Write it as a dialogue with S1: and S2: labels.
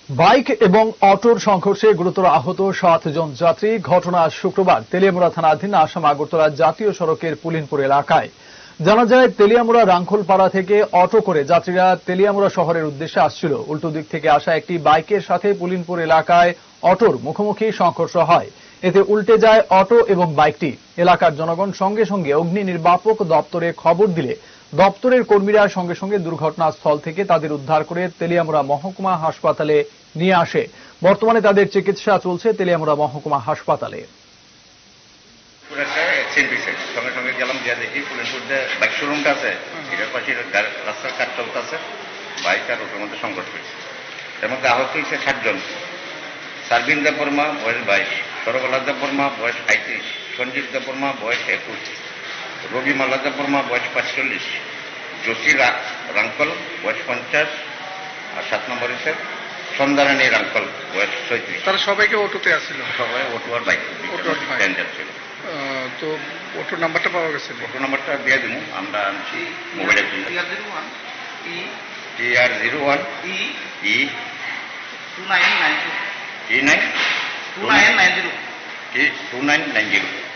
S1: Bike এবং অটোর সংঘর্ষে গুরুতর আহত ৭ জন যাত্রী। ঘটনা শুক্রবার তেলিয়ামুড়া থানাধীন আসাম আগরতলা জাতীয় সড়কের পুলিনপুর এলাকায়। জানা যায়, তেলিয়ামুড়া রাঙ্খলপাড়া থেকে অটো করে যাত্রীরা তেলিয়ামুড়া শহরের উদ্দেশ্যে আসছিল। উল্টো দিক থেকে আসা একটি বাইকের সাথে পুলিনপুর এলাকায় অটোর মুখোমুখি সংঘর্ষ হয়। এতে উল্টে যায় অটো এবং বাইকটি। এলাকার জনগণ সঙ্গে সঙ্গে অগ্নি নির্বাপক দপ্তরে খবর দিলে দপ্তরের কর্মীরা সঙ্গে সঙ্গে দুর্ঘটনাস্থল থেকে তাদের উদ্ধার করে তেলিয়ামুড়া মহকুমা হাসপাতালে নিয়ে আসে। বর্তমানে তাদের চিকিৎসা চলছে তেলিয়ামুড়া মহকুমা হাসপাতালে।
S2: সঙ্গে সঙ্গে গেলাম, গিয়ে দেখি পুলিনপুর যে বাইক শোরুমটা আছে এটার পাশে রাস্তার কাজ চলতেছে, বাইক আর ওটার মধ্যে সংঘর্ষ হয়েছে। এর মধ্যে আহত হয়েছে 7 জন। সার্বিন দেববর্মা বয়স 22, সরবলা দেববর্মা বয়স 35, সঞ্জীব দেববর্মা বয়স 21, রবিমালা দেববর্মা বয়স 45, জসি রাঙ্কল বয়স 50, আর 7 নম্বর হচ্ছে সন্ধ্যারানী রাঙ্কল বয়স 36।
S3: তারা সবাইকে অটোতে আসছিল?
S2: সবাই অটো আর বাইক ছিল।
S3: তো অটোর নাম্বারটা পাওয়া গেছে?
S2: অটো নাম্বারটা দিয়ে দিব, আমরা আনছি মোবাইলে। TR01 E 2990 2990